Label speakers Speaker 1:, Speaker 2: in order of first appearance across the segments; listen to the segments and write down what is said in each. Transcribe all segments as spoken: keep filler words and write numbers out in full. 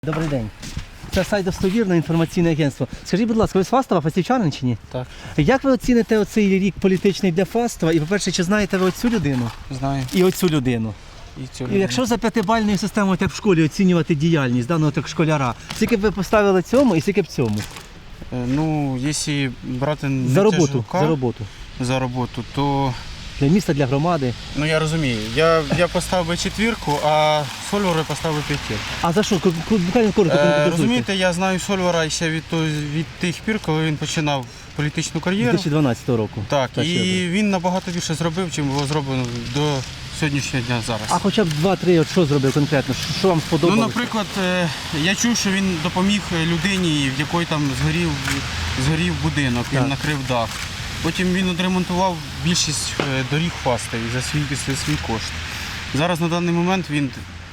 Speaker 1: Добрий день. Це сайт «Достовірне інформаційне агентство». Скажіть, будь ласка, ви з Фастова, фастівчанин чи ні?
Speaker 2: Так.
Speaker 1: Як ви оціните оцей рік політичний для Фастова? І, по-перше, чи знаєте ви оцю людину?
Speaker 2: Знаю.
Speaker 1: І оцю людину?
Speaker 2: І цю
Speaker 1: І якщо за п'ятибальною системою, так в школі, оцінювати діяльність даного так школяра, скільки б ви поставили цьому і скільки б цьому?
Speaker 2: Е, Ну, якщо брати
Speaker 1: За роботу,
Speaker 2: Нетяжука,
Speaker 1: за роботу.
Speaker 2: за роботу, то,
Speaker 1: Для міста, для громади.
Speaker 2: ну я розумію, я, я поставив би четвірку, а Сольвара поставив би п'ятірку.
Speaker 1: А за що? Ку- ку- Буквально коротко
Speaker 2: Е,
Speaker 1: конкретизуйте.
Speaker 2: розумієте, я знаю Сольвара ще від, то- від тих пір, коли він починав політичну
Speaker 1: З
Speaker 2: кар'єру.
Speaker 1: дві тисячі дванадцятого року.
Speaker 2: Так,
Speaker 1: Так, що
Speaker 2: і він набагато більше зробив, чим було зроблено до сьогоднішнього дня зараз.
Speaker 1: А хоча б два-три, от що зробив конкретно? Що- Що вам
Speaker 2: Ну,
Speaker 1: сподобалося?
Speaker 2: наприклад, е, я чув, що він допоміг людині, в якої там згорів, згорів будинок, він
Speaker 1: Так.
Speaker 2: накрив дах. Потім він відремонтував більшість е, доріг Фастові за свій, за свій кошт. Зараз на даний момент він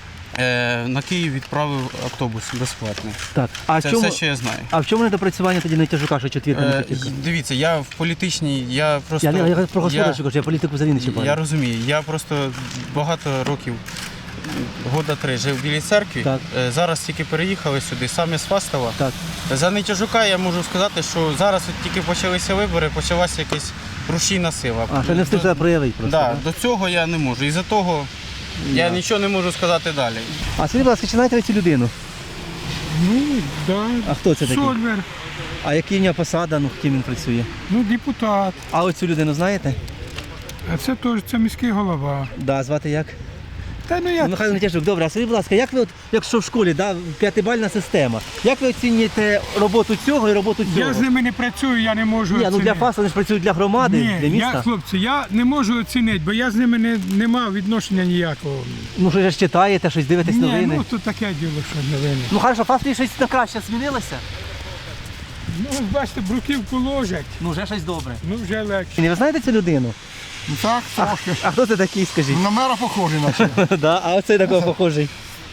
Speaker 2: е, на Київ відправив автобус безплатний.
Speaker 1: Так. А,
Speaker 2: Це
Speaker 1: в чому,
Speaker 2: все, що я знаю.
Speaker 1: а в чому недопрацювання тоді Нетяжука, що четвірка не
Speaker 2: Е,
Speaker 1: п'ятірка?
Speaker 2: дивіться, я в політичній, я просто...
Speaker 1: Я, не- я про
Speaker 2: я-
Speaker 1: господарчу кажу, я політику взагалі не чіпаю.
Speaker 2: Я розумію, я просто багато років, года три, жив в Білій церкві.
Speaker 1: Так.
Speaker 2: Е, Зараз тільки переїхали сюди, саме з Фастова.
Speaker 1: Так.
Speaker 2: За Нетяжука я можу сказати, що зараз от тільки почалися вибори, почалася якась рушійна сила.
Speaker 1: А, ще не встиг себе проявити просто.
Speaker 2: Да,
Speaker 1: да?
Speaker 2: до цього я не можу. І за того я
Speaker 1: Да.
Speaker 2: нічого не можу сказати далі.
Speaker 1: А скажіть, будь ласка, чи знаєте ви цю людину?
Speaker 3: Ну, да.
Speaker 1: А хто це такий?
Speaker 3: Сольвер,
Speaker 1: А який в нього посада, ну, ким він працює?
Speaker 3: ну, депутат.
Speaker 1: А оцю людину знаєте?
Speaker 3: А це теж це міський голова.
Speaker 1: Да, звати як?
Speaker 3: Та ну
Speaker 1: Ну,
Speaker 3: як?
Speaker 1: Михайло Нетяжук. Добре, а скажіть, будь ласка, як ви, от, якщо в школі, да, п'ятибальна система, як ви оцінюєте роботу цього і роботу цього?
Speaker 3: Я з ними не працюю, я не можу
Speaker 1: Ні, ну для
Speaker 3: оцінити.
Speaker 1: ФАСу вони ж працюють для громади,
Speaker 3: Ні,
Speaker 1: для міста.
Speaker 3: я, хлопці, я не можу оцінити, бо я з ними не, не мав відношення ніякого.
Speaker 1: Ну, що ж читаєте, щось дивитесь
Speaker 3: Ні,
Speaker 1: новини.
Speaker 3: ну то таке діло, що новини.
Speaker 1: Ну, хорошо, ФАС щось на краще змінилося?
Speaker 3: Ну, ось бачите, бруківку ложать,
Speaker 1: Ну, вже щось добре.
Speaker 3: ну вже легше.
Speaker 1: І ви знаєте цю людину?
Speaker 4: Так, трохи.
Speaker 1: А хто це такий, скажіть?
Speaker 4: На мера похожий наче.
Speaker 1: Да, а оцей такого похожий.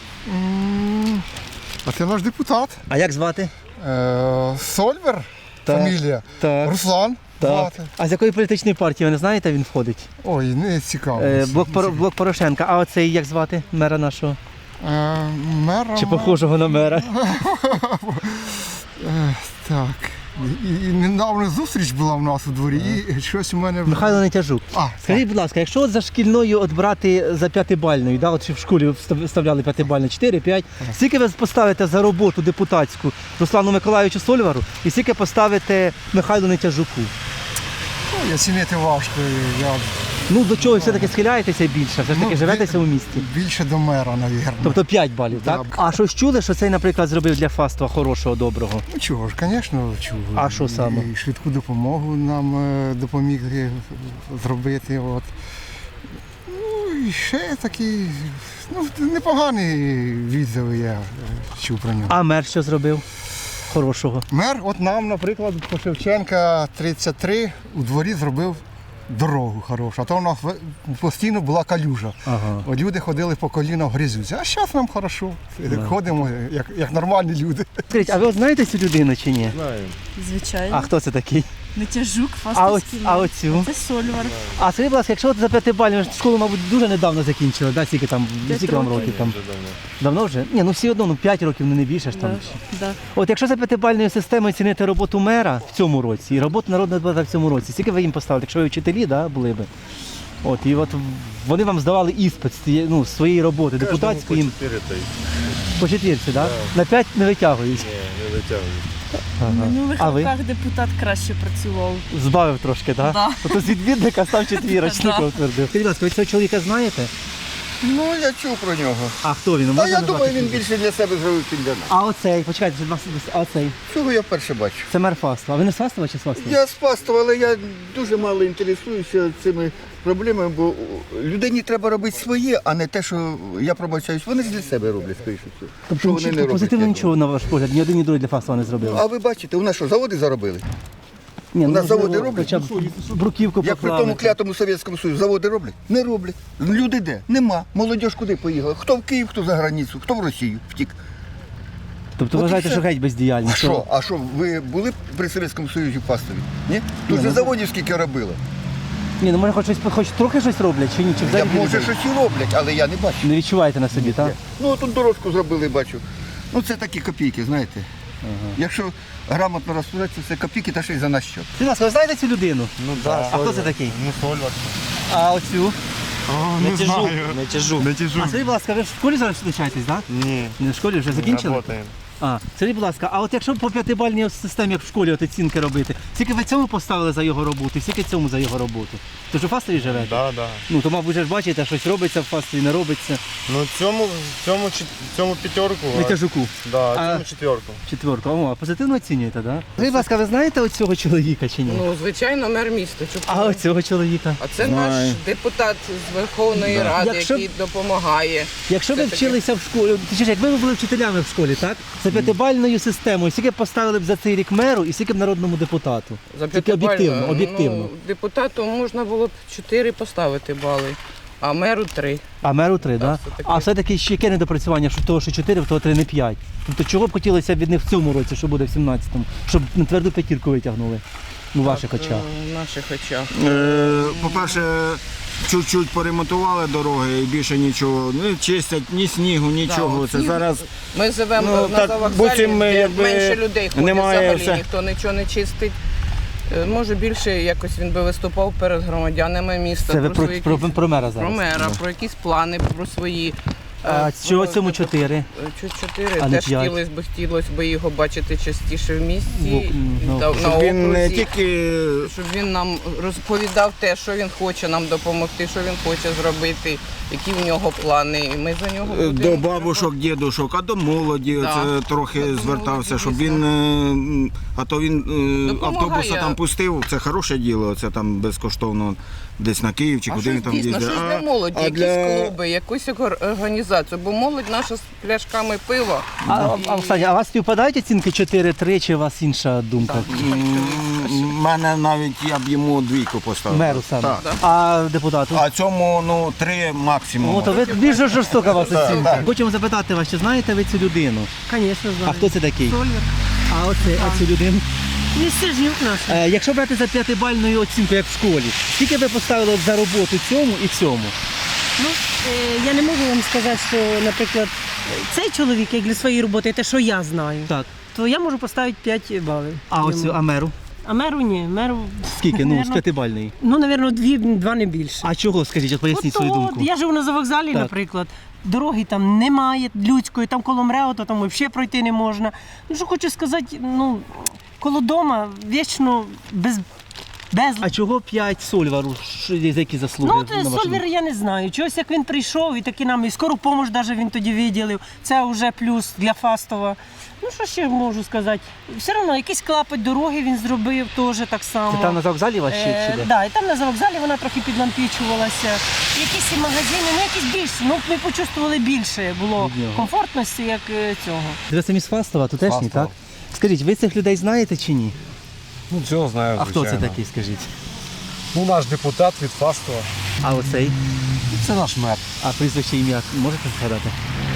Speaker 4: М, А це наш депутат.
Speaker 1: А як звати?
Speaker 4: Е, Сольвер,
Speaker 1: Так,
Speaker 4: фамілія.
Speaker 1: так,
Speaker 4: Руслан.
Speaker 1: Так.
Speaker 4: звати.
Speaker 1: А з якої політичної партії, ви не знаєте, він входить?
Speaker 4: Ой, не цікаво.
Speaker 1: Е, блок, Поро- блок Порошенка. А оцей як звати? Мера нашого?
Speaker 4: Е, Мера.
Speaker 1: Чи похожого на мера?
Speaker 4: Е, Так. І, і недавно зустріч була в нас у дворі, і щось у мене.
Speaker 1: Михайло Нетяжук.
Speaker 4: А,
Speaker 1: Скажіть, будь ласка, якщо от за шкільною от брати за п'ятибальною, да, от в школі встав- вставляли п'ятибальну, чотири-п'ять, скільки ви поставите за роботу депутатську Руслану Миколаївичу Сольвару і скільки поставите Михайлу Нетяжуку?
Speaker 4: ну, я цінити важко. Я
Speaker 1: Ну, до чого все-таки схиляєтеся більше? Все ж таки
Speaker 4: Ну,
Speaker 1: живетеся у місті?
Speaker 4: більше до мера, мабуть.
Speaker 1: Тобто п'ять балів, так?
Speaker 4: Так.
Speaker 1: А щось чули, що цей, наприклад, зробив для Фаства хорошого, доброго?
Speaker 4: Ну чого ж, звісно, чув.
Speaker 1: А що саме?
Speaker 4: І швидку допомогу нам е, допоміг е, зробити. От. Ну і ще такі, ну, непогані відзиви я е, чув про нього.
Speaker 1: А мер що зробив хорошого?
Speaker 4: Мер, от нам, наприклад, по Шевченка тридцять три у дворі зробив дорогу хорошу, а то у нас в- постійно була калюжа.
Speaker 1: Ага.
Speaker 4: От люди ходили по коліна в грязюці, а зараз нам хорошо. Ходимо як, як нормальні люди.
Speaker 1: Скажіть, а ви от знаєте цю людину чи ні?
Speaker 5: Звичайно.
Speaker 1: А хто це такий?
Speaker 5: Нетяжук,
Speaker 1: А, оць,
Speaker 5: Фастовський.
Speaker 1: а оцю?
Speaker 5: Це Сольвар.
Speaker 1: А скажіть, будь ласка, якщо от за п'ятибальну, ви ж школу, мабуть, дуже недавно закінчили, да? Скільки там,
Speaker 5: П'ять
Speaker 1: скільки вам
Speaker 5: років.
Speaker 1: років там? Давно вже? Ні, ну всі одно, ну п'ять років, ну не більше ж там.
Speaker 5: Да, да.
Speaker 1: От якщо за п'ятибальною системою цінити роботу мера в цьому році і роботу народного депутата в цьому році, скільки ви їм поставили, якщо ви вчителі, да, були би? От, і от вони вам здавали іспит з тієї- ну, з своєї роботи, депутатської їм. По четвірці, да? На п'ять не витягують.
Speaker 5: В
Speaker 1: Ага.
Speaker 5: минулих
Speaker 1: А ви?
Speaker 5: роках депутат краще працював.
Speaker 1: Збавив трошки, так?
Speaker 5: Да.
Speaker 1: Тобто з відвідника став четвірочником
Speaker 5: Да.
Speaker 1: твердив. Скажіть, будь ласка, ви цього чоловіка знаєте?
Speaker 4: Ну, я чув про нього.
Speaker 1: А хто він?
Speaker 4: Та
Speaker 1: Можна
Speaker 4: я
Speaker 1: назвати
Speaker 4: думаю, він
Speaker 1: прізвище?
Speaker 4: більше для себе зробив, чим для нас.
Speaker 1: А оцей, почекайте, що вас- а оцей.
Speaker 4: Цього я вперше бачу.
Speaker 1: Це мер Фастова. А ви не з Фастова чи з Фастова?
Speaker 6: Я з Фастова, але я дуже мало інтересуюся цими проблемами, бо людині треба робити своє, а не те, що я пробачаюсь. Вони ж для себе роблять, скоріше всього.
Speaker 1: Тобто
Speaker 6: Що вони
Speaker 1: нічого-
Speaker 6: не роблять,
Speaker 1: позитивно
Speaker 6: я
Speaker 1: нічого, на ваш погляд, ні один, ні другий для Фастова не зробили.
Speaker 6: А ви бачите, у нас що, заводи заробили?
Speaker 1: Ні,
Speaker 6: у нас
Speaker 1: можливо,
Speaker 6: заводи роблять?
Speaker 1: Хоча б бруківку
Speaker 6: Як при
Speaker 1: поклали.
Speaker 6: тому клятому Совєтському Союзі заводи роблять? Не роблять. Люди де? Нема. Молодь куди поїхала? Хто в Київ, хто за границю, хто в Росію втік.
Speaker 1: Тобто
Speaker 6: От і
Speaker 1: вважаєте,
Speaker 6: все.
Speaker 1: що геть бездіяльні?
Speaker 6: А що? А що, ви були при Совєтському Союзі в Фастові? Ні? Тут же заводів скільки робили.
Speaker 1: Ні, ну може хоч щось, хоч трохи щось роблять, чи ні? Чи
Speaker 6: Я,
Speaker 1: взагалі
Speaker 6: може,
Speaker 1: не-
Speaker 6: щось і роблять, але я не бачу.
Speaker 1: не відчуваєте на собі, так?
Speaker 6: Ну, тут дорожку зробили, бачу. Ну це такі копійки, знаєте. Якщо грамотно розпорядитися, це копійки та ще й за наш счет.
Speaker 1: Будь ласка, ви знаєте цю людину?
Speaker 7: Ну да,
Speaker 1: А хто це такий?
Speaker 7: Ну Сольвар.
Speaker 1: А оцю?
Speaker 7: Не тяжу. Не тяжу. Не
Speaker 1: А
Speaker 7: тяжу.
Speaker 1: скажіть, будь ласка, ви ж в школі зараз навчаєтесь, так?
Speaker 7: Ні.
Speaker 1: Не в школі вже закінчили?
Speaker 7: Работаем.
Speaker 1: А, скажіть, будь ласка, а от якщо по п'ятибальній системі, як в школі, от оцінки робити, скільки ви цьому поставили за його роботу, скільки цьому за його роботу? Ти ж у Фастові живете?
Speaker 7: Да, да.
Speaker 1: Ну, то, мабуть, вже ж бачите, щось робиться в Фастові, не робиться.
Speaker 7: Ну цьому, цьому, чет- цьому п'ятерку.
Speaker 1: Не
Speaker 7: а-
Speaker 1: тяжуку.
Speaker 7: Да,
Speaker 1: А-
Speaker 7: цьому четверку.
Speaker 1: Четверку. О, а позитивно оцінюєте, так? Да? Скажіть, будь ласка, ви знаєте оцього чоловіка чи ні?
Speaker 8: Ну, звичайно, мер міста. Чуприна.
Speaker 1: А оцього чоловіка?
Speaker 8: А це наш депутат з Верховної Ради,
Speaker 1: Якщо б-
Speaker 8: який допомагає.
Speaker 1: Якщо ви
Speaker 8: Це таке.
Speaker 1: вчилися в школі, точніше, якби ви були вчителями в школі, так? За п'ятибальною системою, скільки б поставили б за цей рік меру і скільки б народному депутату?
Speaker 8: За
Speaker 1: Тільки
Speaker 8: п'ятибальну,
Speaker 1: об'єктивно, об'єктивно.
Speaker 8: Ну, депутату можна було б чотири поставити бали, а меру три.
Speaker 1: А меру три, так?
Speaker 8: все-таки.
Speaker 1: А все-таки ще яке недопрацювання, що того, що чотири, в того три не п'ять. Тобто чого б хотілося б від них в цьому році, що буде в сімнадцятому, щоб на тверду п'ятірку витягнули у ваших очах?
Speaker 8: Е, В наших очах.
Speaker 9: Е, По-перше, чуть-чуть поремонтували дороги і більше нічого. Не чистять ні снігу, нічого.
Speaker 8: от
Speaker 9: Це
Speaker 8: сніг-
Speaker 9: зараз
Speaker 8: Ми живемо
Speaker 9: Ну,
Speaker 8: на
Speaker 9: так,
Speaker 8: завокзалі,
Speaker 9: буцім,
Speaker 8: де
Speaker 9: якби,
Speaker 8: менше людей ходить,
Speaker 9: немає
Speaker 8: взагалі
Speaker 9: все.
Speaker 8: ніхто нічого не чистить. Е, Може більше якось він би виступав перед громадянами міста.
Speaker 1: Це ви про,
Speaker 8: свої
Speaker 1: про,
Speaker 8: якісь-
Speaker 1: про мера зараз.
Speaker 8: про мера, про якісь плани, про свої.
Speaker 1: А
Speaker 8: е,
Speaker 1: чого
Speaker 8: про-
Speaker 1: цьому чотири?
Speaker 8: Чуть чотири,
Speaker 1: А не
Speaker 8: теж
Speaker 1: п'ять?
Speaker 8: хотілося б, хотілося б його бачити частіше в місті,
Speaker 1: В- ну,
Speaker 8: та- на
Speaker 9: щоб він не
Speaker 8: окрузі,
Speaker 9: тільки
Speaker 8: щоб він нам розповідав те, що він хоче нам допомогти, що він хоче зробити, які в нього плани. І ми за нього
Speaker 9: е,
Speaker 8: будемо
Speaker 9: до бабушок, дідушок, а до молоді
Speaker 8: Да.
Speaker 9: це трохи
Speaker 8: До
Speaker 9: звертався,
Speaker 8: молоді,
Speaker 9: щоб
Speaker 8: дійсно.
Speaker 9: він, е, м, а то він е,
Speaker 8: Допомагає.
Speaker 9: автобуса там пустив, це хороше діло, це там безкоштовно десь на Київ чи
Speaker 8: А
Speaker 9: куди
Speaker 8: щось
Speaker 9: він там
Speaker 8: дійсно,
Speaker 9: їздить.
Speaker 8: щось
Speaker 9: А-
Speaker 8: для молоді,
Speaker 9: а
Speaker 8: якісь
Speaker 9: для-
Speaker 8: клуби, якусь ор- організацію, бо молодь наша з пляшками пива.
Speaker 1: А, а, Оксані, а у вас співпадають оцінки чотири-три, чи у вас інша думка?
Speaker 9: У мене навіть я б йому двійку поставив.
Speaker 1: Меру саме.
Speaker 9: Так.
Speaker 1: А депутату?
Speaker 9: А цьому ну три максимум.
Speaker 1: О, то ви більш жорстока вас оцінка. Хочемо запитати вас, чи знаєте ви цю людину?
Speaker 10: Звісно,
Speaker 1: А
Speaker 10: знаю.
Speaker 1: хто це такий?
Speaker 10: Сольвер.
Speaker 1: А оце, а цю людину?
Speaker 10: Він стержнюк наш.
Speaker 1: Е, якщо брати за п'ятибальною оцінку, як в школі, скільки ви поставили за роботу цьому і цьому?
Speaker 10: Ну, е, я не можу вам сказати, що, наприклад, цей чоловік, як для своєї роботи, те, що я знаю,
Speaker 1: Так.
Speaker 10: то я можу поставити п'ять балів.
Speaker 1: А оцю, а меру?
Speaker 10: А меру ні, меру,
Speaker 1: Скільки? Ну, з
Speaker 10: Наверно,
Speaker 1: п'ятибальної.
Speaker 10: ну, напевно, дві, два не більше.
Speaker 1: А чого, скажіть, от поясніть
Speaker 10: От,
Speaker 1: свою
Speaker 10: от,
Speaker 1: думку.
Speaker 10: я живу на завокзалі,
Speaker 1: Так.
Speaker 10: наприклад. Дороги там немає людської, там коло МРЕО, то там взагалі пройти не можна. Ну, що хочу сказати, ну, коло дома вічно без, без...
Speaker 1: А чого п'ять Сольвару? Що- За які заслуги?
Speaker 10: Ну, от
Speaker 1: на вашу
Speaker 10: Сольвер
Speaker 1: думку?
Speaker 10: я не знаю. Чогось як він прийшов і таки нам і скору допомогу навіть він тоді виділив. Це вже плюс для Фастова. Ну, що ще можу сказати? Все одно якийсь клапоть дороги він зробив теж так само.
Speaker 1: Це там на завокзалі у вас ще
Speaker 10: Е,
Speaker 1: чи де?
Speaker 10: да, і там на завокзалі вона трохи підлампічувалася. Якісь і магазини, ну якісь більше. Ну, ми почувствували більше було
Speaker 1: Від нього.
Speaker 10: комфортності, як е, цього.
Speaker 1: Ви самі з Фастова, тутешні,
Speaker 7: Фастова.
Speaker 1: так? Скажіть, ви цих людей знаєте чи ні?
Speaker 7: Ну цього знаю,
Speaker 1: А хто це
Speaker 7: звичайно.
Speaker 1: такий, скажіть?
Speaker 7: Ну наш депутат від Фастова.
Speaker 1: А оцей?
Speaker 7: Це наш мер.
Speaker 1: А прізвище ім'я можете згадати?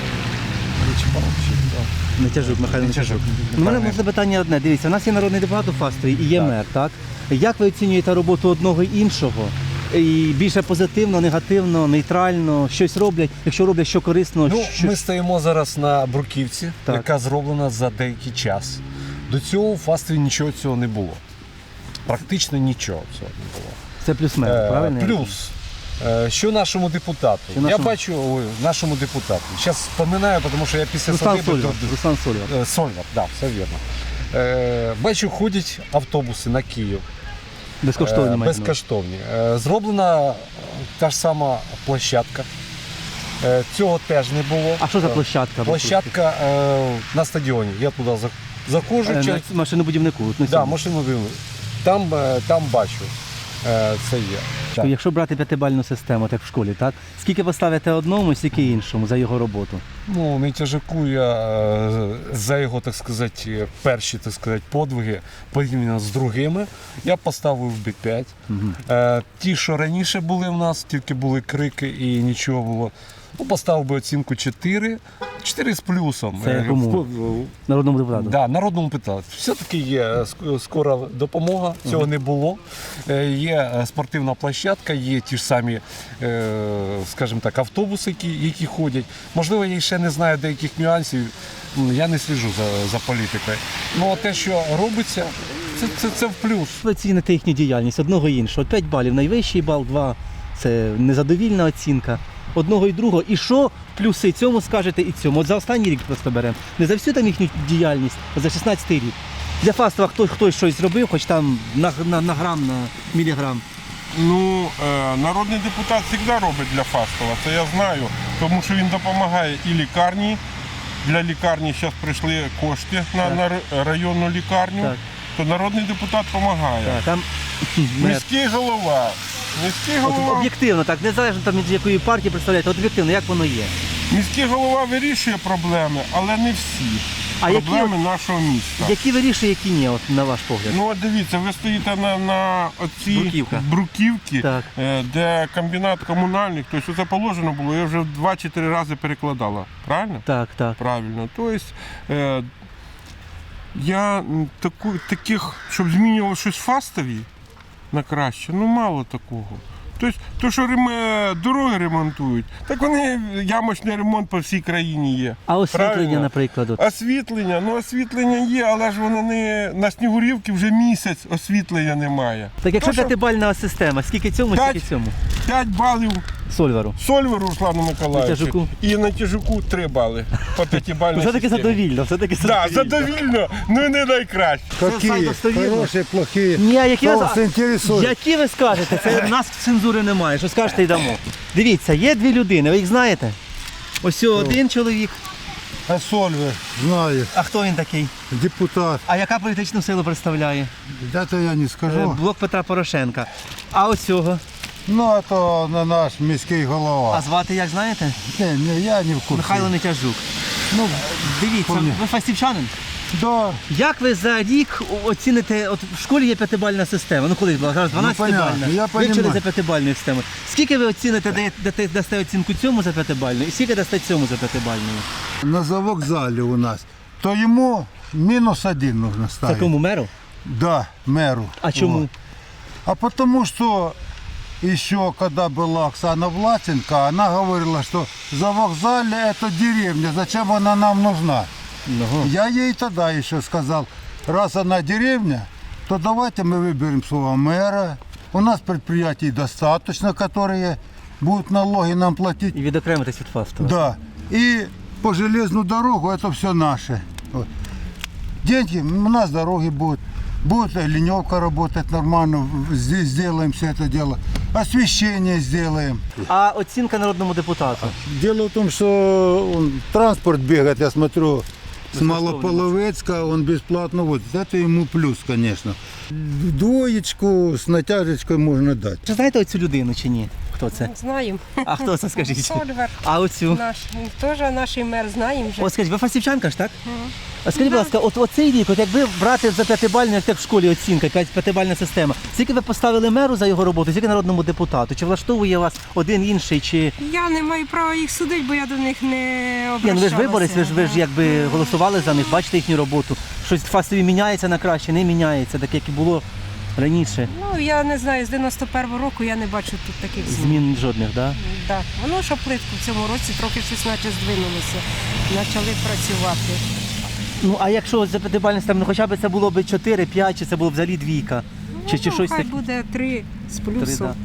Speaker 1: Нетяжук, Михайло Нетяжук. У мене можна питання одне. Дивіться, у нас є народний депутат у Фастові і є мер, так? Як ви оцінюєте роботу одного і іншого? І більше позитивно, негативно, нейтрально, щось роблять, якщо роблять що корисно,
Speaker 11: Ну,
Speaker 1: що...
Speaker 11: ми стоїмо зараз на бруківці,
Speaker 1: Так.
Speaker 11: яка зроблена за деякий час. До цього у Фастові нічого цього не було. Практично нічого цього не було.
Speaker 1: Це плюс мер,
Speaker 11: Е,
Speaker 1: правильно?
Speaker 11: Плюс, е, що нашому депутату?
Speaker 1: Що
Speaker 11: Я
Speaker 1: нашому?
Speaker 11: бачу ой, нашому депутату. Зараз споминаю, тому що я після
Speaker 1: Руслан
Speaker 11: садиби
Speaker 1: Сольвар.
Speaker 11: до-
Speaker 1: Руслан Сольвар.
Speaker 11: Е, Сольвар, так, все вірно. Е, бачу, ходять автобуси на Київ.
Speaker 1: Безкоштовні
Speaker 11: Е,
Speaker 1: мають.
Speaker 11: безкоштовні. Е, Зроблена е, та ж сама площадка. Е, Цього теж не було.
Speaker 1: А що за
Speaker 11: Е,
Speaker 1: площадка?
Speaker 11: Площадка е, на стадіоні. Я туди за- заходжу.
Speaker 1: Е,
Speaker 11: через-
Speaker 1: на машинобудівнику. от на
Speaker 11: Да,
Speaker 1: цьому.
Speaker 11: машину дивлю. Там, е, там бачу. Е, Це є. Так.
Speaker 1: Якщо брати п'ятибальну систему, так в школі, так? Скільки поставите одному, скільки іншому за його роботу?
Speaker 11: Ну, не тяжаку я е, за його, так сказати, перші, так сказати, подвиги порівняно з другими. Я поставив би п'ять. Е, ті, що раніше були в нас, тільки були крики і нічого було. ну, поставив би оцінку чотири. чотири з плюсом.
Speaker 1: Це кому? Народному депутату?
Speaker 11: Да, народному депутату. Все-таки є ск- скора допомога, цього не було. Е, Є е, спортивна площадка, є ті ж самі, е, скажімо так, автобуси, які, які ходять. Можливо, я ще не знаю деяких нюансів, м, я не сліжу за, за політикою. Ну, а те, що робиться, це, це, це в плюс.
Speaker 1: Ви оціните їхню діяльність одного і іншого. п'ять балів найвищий бал, два це незадовільна оцінка. Одного і другого. І що плюси цьому скажете і цьому? От за останній рік просто беремо. Не за всю там їхню діяльність, а за шістнадцятий рік. Для Фастова хтось, хтось щось зробив, хоч там на, на, на грам, на міліграм.
Speaker 12: Ну, е, народний депутат завжди робить для Фастова, це я знаю, тому що він допомагає і лікарні. Для лікарні зараз прийшли кошти на, на р- районну лікарню,
Speaker 1: Так.
Speaker 12: то народний депутат допомагає.
Speaker 1: Так, там
Speaker 12: Міський голова. Міський
Speaker 1: от,
Speaker 12: голова,
Speaker 1: об'єктивно, так, незалежно там від якої партії представляєте, от об'єктивно, як воно є.
Speaker 12: міський голова вирішує проблеми, але не всі
Speaker 1: А які,
Speaker 12: проблеми
Speaker 1: от,
Speaker 12: нашого міста.
Speaker 1: які вирішує, які ні, от, на ваш погляд?
Speaker 12: Ну от дивіться, ви стоїте на, на оцій
Speaker 1: Бруківка.
Speaker 12: бруківці,
Speaker 1: Так.
Speaker 12: е, де комбінат комунальних, тобто це положено було, я вже два чи три рази перекладала. Правильно?
Speaker 1: Так, так.
Speaker 12: Правильно. Тобто е, я м, таку, таких, щоб змінювало щось в Фастові на краще, ну мало такого. Тобто, то, що рем- дороги ремонтують, так вони ямочний ремонт по всій країні є.
Speaker 1: А освітлення,
Speaker 12: Правильно?
Speaker 1: наприклад. От.
Speaker 12: Освітлення, ну освітлення є, але ж воно не на Снігурівці вже місяць освітлення немає.
Speaker 1: Так якщо
Speaker 12: То, що
Speaker 1: п'ятибальна система, скільки цьому,
Speaker 12: П'ять.
Speaker 1: скільки цьому?
Speaker 12: п'ять балів
Speaker 1: Сольвару.
Speaker 12: Сольверу Руслану
Speaker 1: На
Speaker 12: Миколаївичу
Speaker 1: тяжуку?
Speaker 12: і на тяжуку три бали по п'ятибальній
Speaker 1: Все-таки
Speaker 12: системі.
Speaker 1: задовільно, все-таки
Speaker 12: Так,
Speaker 1: задовільно.
Speaker 12: задовільно, ну не найкраще.
Speaker 4: Какие?
Speaker 1: достовірно.
Speaker 4: Хорошие, плохие.
Speaker 1: Ні, а які
Speaker 4: Кто
Speaker 1: ви,
Speaker 4: вас интересует?
Speaker 1: які ви скажете? Це в нас цензури немає, що скажете і дамо. Дивіться, є дві людини, ви їх знаєте? Ось один чоловік,
Speaker 4: А Сольвер, знаю,
Speaker 1: а хто він такий?
Speaker 4: депутат.
Speaker 1: А яка політичну силу представляє?
Speaker 4: Это я не
Speaker 1: Е,
Speaker 4: скажу.
Speaker 1: Блок Петра Порошенка. А ось цього?
Speaker 4: Ну, а то на наш міський
Speaker 1: А
Speaker 4: голова.
Speaker 1: звати як знаєте?
Speaker 4: Не, не, я не в курсі.
Speaker 1: Михайло Нетяжук. Ну, дивіться,
Speaker 4: Помню.
Speaker 1: ви фастівчанин?
Speaker 4: Да,
Speaker 1: Як ви за рік оціните, от в школі є п'ятибальна система, ну колись була, зараз дванадцятибальна,
Speaker 4: понятно, я
Speaker 1: ви вчили
Speaker 4: понімаю.
Speaker 1: за п'ятибальною системою. Скільки ви оціните, дає- дате- дасте оцінку цьому за п'ятибальною і скільки дасте цьому за п'ятибальною?
Speaker 4: на завокзалі у нас. То йому мінус один нужно
Speaker 1: Це
Speaker 4: ставити.
Speaker 1: кому, меру?
Speaker 4: Да, мэру.
Speaker 1: А чому?
Speaker 4: Вот. А потому что еще когда была Оксана Власенко, она говорила, что завокзалье это деревня, зачем она нам нужна?
Speaker 1: Ага.
Speaker 4: Я ей тогда еще сказал, раз она деревня, то давайте мы выберем своего мэра. У нас предприятий достаточно, которые будут налоги нам платить.
Speaker 1: І відокремитись від Фастова.
Speaker 4: Да. И по железную дорогу это все наше. Вот. Деньги, у нас дороги будут. Будет леневка работать нормально, здесь сделаем все это дело. Освещение сделаем.
Speaker 1: А оцінка народному депутату?
Speaker 4: Дело в том, что он, транспорт бегает, я смотрю, с
Speaker 1: Безусловно.
Speaker 4: Малополовецка он бесплатно водит. Это ему плюс, конечно. Двоечку с натяжечкой можно дать.
Speaker 1: Чи знаєте оцю людину чи ні? Хто це?
Speaker 10: Знаємо.
Speaker 1: А хто це, скажіть?
Speaker 10: Сольвер
Speaker 1: А оцю?
Speaker 10: наш, він теж наш мер, знаємо вже.
Speaker 1: От скажіть, ви фастівчанка ж, так? А скажіть, будь ласка, от оцей рік, от якби брати за п'ятибальну, як так в школі оцінка, якась п'ятибальна система, скільки ви поставили меру за його роботу, скільки народному депутату? Чи влаштовує вас один інший, чи...
Speaker 10: Я не маю права їх судити, бо я до них не
Speaker 1: Ні,
Speaker 10: обращалася.
Speaker 1: ну ви ж виборець, ви ж, ви ж якби голосували за них, бачите їхню роботу. Щось в Фастові міняється на краще, не міняється, так як і було раніше.
Speaker 10: Ну, я не знаю, з дев'яносто першого року я не бачу тут таких змін.
Speaker 1: Змін жодних, так? Да?
Speaker 10: Да. Воно що плитку в цьому році трохи щось наче здвинулося. Почали працювати.
Speaker 1: Ну, а якщо за п'ятибальну систему, ну хоча б це було б чотири, п'ять, чи це було б взагалі двійка? Чи, чи
Speaker 10: Ну,
Speaker 1: щось
Speaker 10: хай
Speaker 1: таке?
Speaker 10: буде три з
Speaker 1: Три,
Speaker 10: плюсом.
Speaker 1: да.